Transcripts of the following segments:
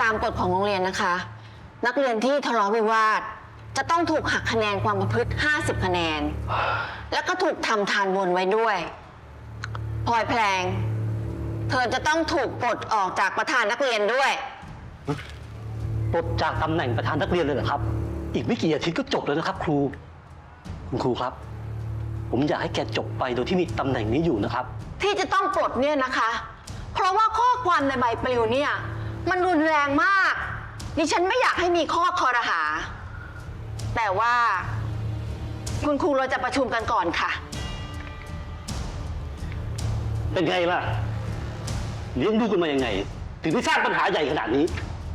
ตามกฎของโรงเรียนนะคะ นักเรียนที่ทะเลาะวิวาทจะต้องถูกหักคะแนนความประพฤติ50 คะแนน แล้วก็ถูกทำทานบนไว้ด้วยพลอยแพลงเธอจะต้องถูกปลดออกจากประธานนักเรียนด้วยปลดจากตำแหน่งประธานนักเรียนเลยเหรอครับอีกไม่กี่อาทิตย์ก็จบแล้วนะครับครูคุณครูครับผมอยากให้แกจบไปโดยที่มีตำแหน่งนี้อยู่นะครับที่จะต้องปลดเนี่ยนะคะ เพราะว่าข้อความในใบปลิวเนี่ยมันรุนแรงมากดิฉันไม่อยากให้มีข้อคอรหาแต่ว่าคุณครูเราจะประชุมกันก่อนค่ะเป็นไงล่ะเลี้ยงดูกันมายังไงถึงได้สร้างปัญหาใหญ่ขนาดนี้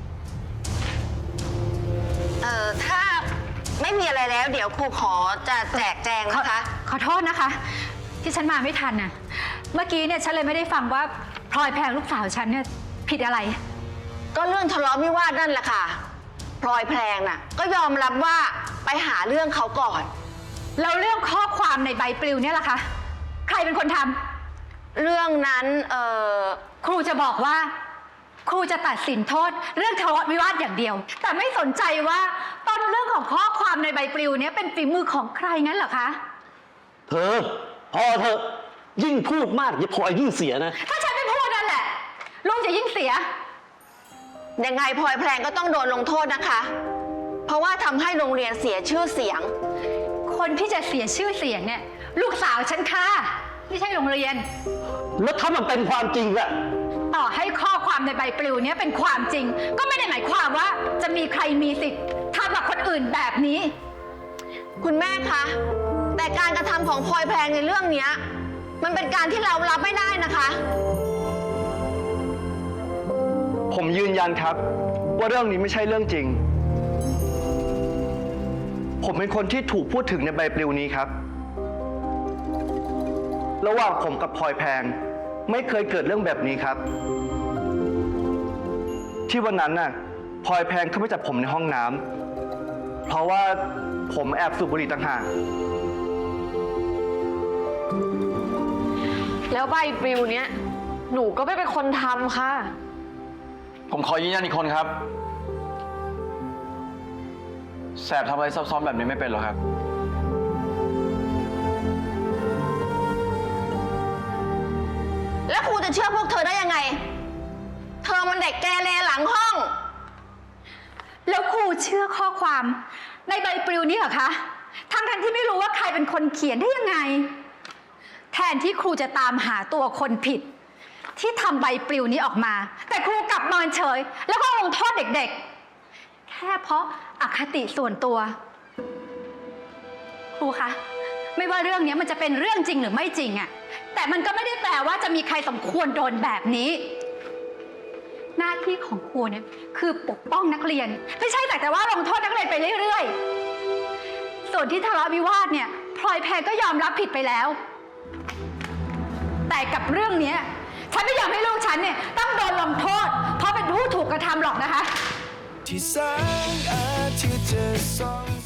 ถ้าไม่มีอะไรแล้วเดี๋ยวครูขอจะแจกแจงนะคะขอโทษนะคะที่ฉันมาไม่ทันน่ะเมื่อกี้เนี่ยฉันเลยไม่ได้ฟังว่าพลอยแพงลูกสาวฉันเนี่ยผิดอะไรก็เรื่องทะเลาะวิวาทนั่นแหละค่ะพลอยแพงน่ะก็ยอมรับว่าไปหาเรื่องเขาก่อนแล้วเรื่องข้อความในใบปลิวเนี่ยล่ะคะใครเป็นคนทำเรื่องนั้นครูจะบอกว่าครูจะตัดสินโทษเรื่องทะเลาะวิวาทอย่างเดียวแต่ไม่สนใจว่าต้นเรื่องของข้อความในใบปลิวนี้เป็นฝีมือของใครงั้นเหรอคะเธอพอเธอยิ่งพูดมากอย่าพลอยยิ่งเสียนะถ้าฉันไม่พูดนั่นแหละลุงจะยิ่งเสียยังไงพลอยแพลงก็ต้องโดนลงโทษนะคะเพราะว่าทำให้โรงเรียนเสียชื่อเสียงคนที่จะเสียชื่อเสียงเนี่ยลูกสาวฉันค่ะไม่ใช่โรงเรียนแล้วถ้ามันเป็นความจริงอะต่อให้ข้อความในใบปลิวนี้เป็นความจริงก็ไม่ได้หมายความว่าจะมีใครมีสิทธิ์ทำกับคนอื่นแบบนี้คุณแม่คะแต่การกระทำของพลอยแพงในเรื่องนี้มันเป็นการที่เรารับไม่ได้นะคะผมยืนยันครับว่าเรื่องนี้ไม่ใช่เรื่องจริงผมเป็นคนที่ถูกพูดถึงในใบปลิวนี้ครับระหว่างผมกับพลอยแพงไม่เคยเกิดเรื่องแบบนี้ครับที่วันนั้นน่ะพลอยแพงเข้าไปจับผมในห้องน้ำเพราะว่าผมแอบสูบบุหรี่ต่างหากแล้วใบปลิวเนี้ยหนูก็ไม่เป็นคนทำค่ะผมขอยืนยันอีกคนครับแสบทำอะไรซับซ้อนแบบนี้ไม่เป็นหรอกครับแล้วครูจะเชื่อพวกเธอได้ยังไงเธอมันเด็กแกเรหลังห้องแล้วครูเชื่อข้อความในใบปลิวนี้เหรอคะทั้งที่ไม่รู้ว่าใครเป็นคนเขียนได้ยังไงแทนที่ครูจะตามหาตัวคนผิดที่ทำใบปลิวนี้ออกมาแต่ครูกลับเมินเฉยแล้วก็ลงโทษเด็กๆแค่เพราะอคติส่วนตัวครูคะไม่ว่าเรื่องนี้มันจะเป็นเรื่องจริงหรือไม่จริงอะแต่มันก็ไม่ได้แปลว่าจะมีใครสมควรโดนแบบนี้หน้าที่ของครูเนี่ยคือปกป้องนักเรียนไม่ใช่แต่ว่าลงโทษนักเรียนไปเรื่อยๆส่วนที่ทะเลาะวิวาทเนี่ยพลอยแพงก็ยอมรับผิดไปแล้วแต่กับเรื่องนี้ฉันไม่อยากให้ลูกฉันเนี่ยต้องโดนลงโทษเพราะเป็นผู้ถูกกระทำหรอกนะคะที่แสงอาทิตย์จะส่อง